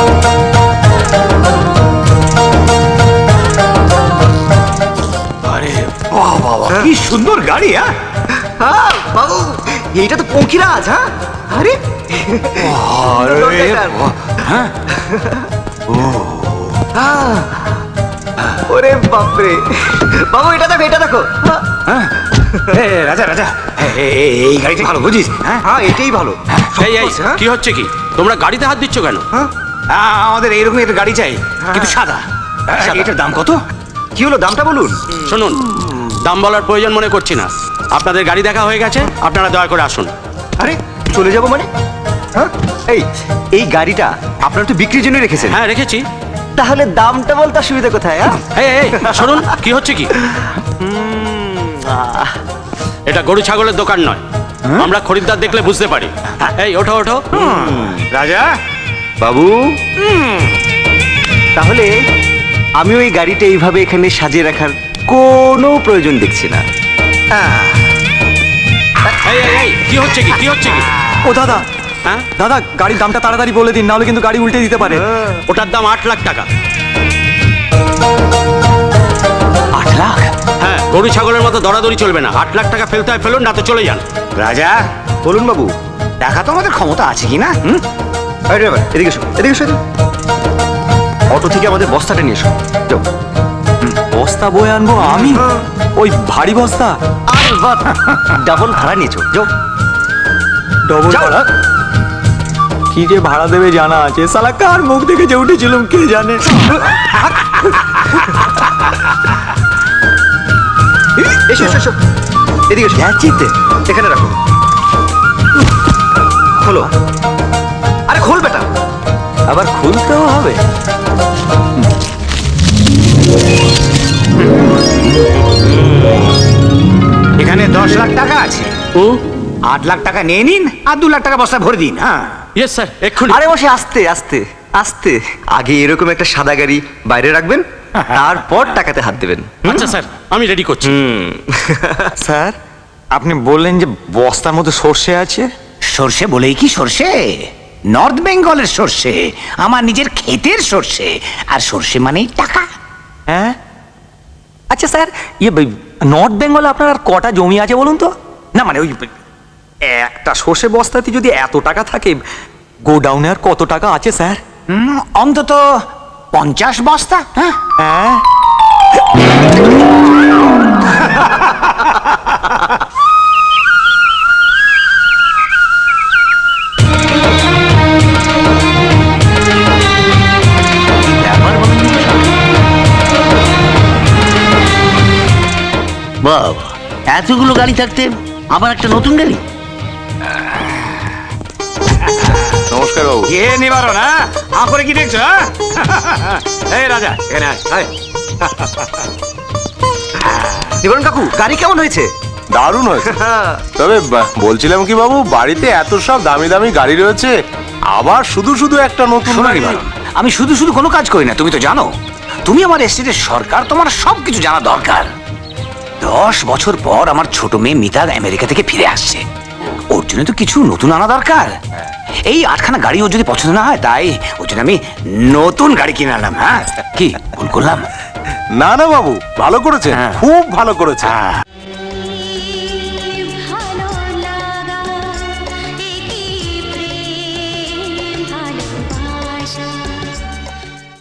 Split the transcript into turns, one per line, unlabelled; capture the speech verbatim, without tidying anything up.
আরে বাহ বাবা, কি সুন্দর গাড়ি! হ্যাঁ
হ্যাঁ বাবু, এইটা তো পঙ্খিরাজ। হ্যাঁ আরে
আরে হ্যাঁ,
ওরে বাপরে বাবু, এটা দেখো, এটা দেখো।
হ্যাঁ এ, রাজা রাজা, এ- এ- এ- এই গাড়িটা ভালো বুঝিস? হ্যাঁ
হ্যাঁ এটাই ভালো।
এই এই কি হচ্ছে কি? তোমরা গাড়িতে হাত দিচ্ছ কেন?
হ্যাঁ
আ- আমাদের এইরকম একটা গাড়ি চাই, কিন্তু সাদা।
সাদা।
এটার দাম কত?
কি হলো, দামটা বলুন।
শুনুন, দাম বলার প্রয়োজন মনে করছি না। আপনাদের গাড়ি দেখা হয়ে গেছে, আপনারা দয়া করে আসুন।
আরে চলে যাবো মানে? হ্যাঁ এই এই গাড়িটা আপনারা তো বিক্রির জন্য রেখেছেন।
হ্যাঁ রেখেছি।
তাহলে দামটা বলতে অসুবিধা কোথায়? হ্যাঁ
এই এই শুনুন, কি হচ্ছে কি? এটা গরু ছাগলের দোকান নয়, আমরা খরিদ্দার দেখলে বুঝতে পারি। এই ওঠো ওঠো।
রাজা
বাবু, তাহলে আমি ওই গাড়িটা এইভাবে এখানে সাজিয়ে রাখার কোনো প্রয়োজন দেখছি না।
এই এই এই কি হচ্ছে কি? কি হচ্ছে কি?
ও দাদা,
হ্যাঁ,
দাদা গাড়ির দামটা তাড়াতাড়ি বলে দিন, নাহলে কিন্তু গাড়ি উল্টে দিতে পারে।
ওটার দাম আট লাখ টাকা।
আট লাখ?
হ্যাঁ, গরু ছাগলের মতো দরাদরি চলবে না। আট লাখ টাকা ফেলতে হয় ফেলুন, না তো চলে যান।
রাজা
বলুন বাবু।
দেখা তো আমাদের ক্ষমতা আছে কি না? হুম?
আরে ড্রাইভার, এদিকে এসো, এদিকে এসো। অটো থেকে আমাদের বস্তাটা নিয়ে এসো। যাও।
বস্তা বয়ে আনবো আমি? ওই ভারী বস্তা?
আর বাদ, ডাবল ভাড়া নিয়েছো। যাও।
ডবল
যাও।
ভাড়া? কি যে ভাড়া দেবে জানা আছে? সালা কার মুখ দেখে যে উঠেছিলাম কে জানে।
এসো এসো এসো, এদিকে এসো।
চিনতে
এখানে রাখো। খোলো। আরে খোল বেটা।
আবার খুলতেও হবে?
এখানে দশ লাখ টাকা আছে। আট লাখ টাকা নিয়ে নিন, আর দু লাখ টাকা বস্তা ভরে দিন। হ্যাঁ
ইয়েস স্যার, এক্ষুনি।
আরে বসে, আস্তে আস্তে আস্তে। আগে এরকম একটা সাদা গাড়ি বাইরে রাখবেন, তারপর টাকাতে হাত দেবেন।
আচ্ছা স্যার, আমি রেডি করছি।
স্যার, আপনি বললেন যে বস্তার মধ্যে সর্ষে আছে?
সর্ষে বলেই কি সর্ষে? নর্থ বেঙ্গলের সর্ষে, আমার নিজের ক্ষেতের সর্ষে। আর সর্ষে মানেই টাকা।
হ্যাঁ আচ্ছা স্যার, ইয়ে নর্থ বেঙ্গলে আপনার আর কটা জমি আছে বলুন তো? না মানে ওই একটা সর্ষে বস্তাতে যদি এত টাকা থাকে, গোডাউনে আর কত টাকা আছে স্যার?
হুম, অন্তত পঞ্চাশ বস্তা। হ্যাঁ
হ্যাঁ
বাবা, এতগুলো গাড়ি থাকতে আবার একটা নতুন গাড়ি?
নমস্কার বাবু।
কে নিবারণ? হ্যাঁ আ করে কি দেখছো? হ্যাঁ? এই রাজা এখানে আয়, আয়।
নিবারণ কাকু, গাড়ি কেমন হয়েছে?
দারুণ হয়েছে। তবে বা- বলছিলাম কি বাবু, বাড়িতে এত সব দামি দামি গাড়ি রয়েছে, আবার শুধু শুধু একটা নতুন
শোনো
গাড়ি?
নিবারণ, আমি শুধু শুধু কোনো কাজ করি না, তুমি তো জানো। তুমি আমার এস্টেটের সরকার, তোমার সব কিছু জানা দরকার। দশ বছর পর আমার ছোট মেয়ে মিতা আমেরিকা থেকে ফিরে আসছে, ওর জন্য তো কিছু নতুন আনা দরকার। এই আটখানা গাড়ি ওর যদি পছন্দ না হয়, তাই ওর জন্য আমি নতুন গাড়ি কিনে আনলাম। হ্যাঁ কি ভুল করলাম?
না না বাবু, ভালো করেছে,
হ্যাঁ।
খুব ভালো করেছে।
হ্যাঁ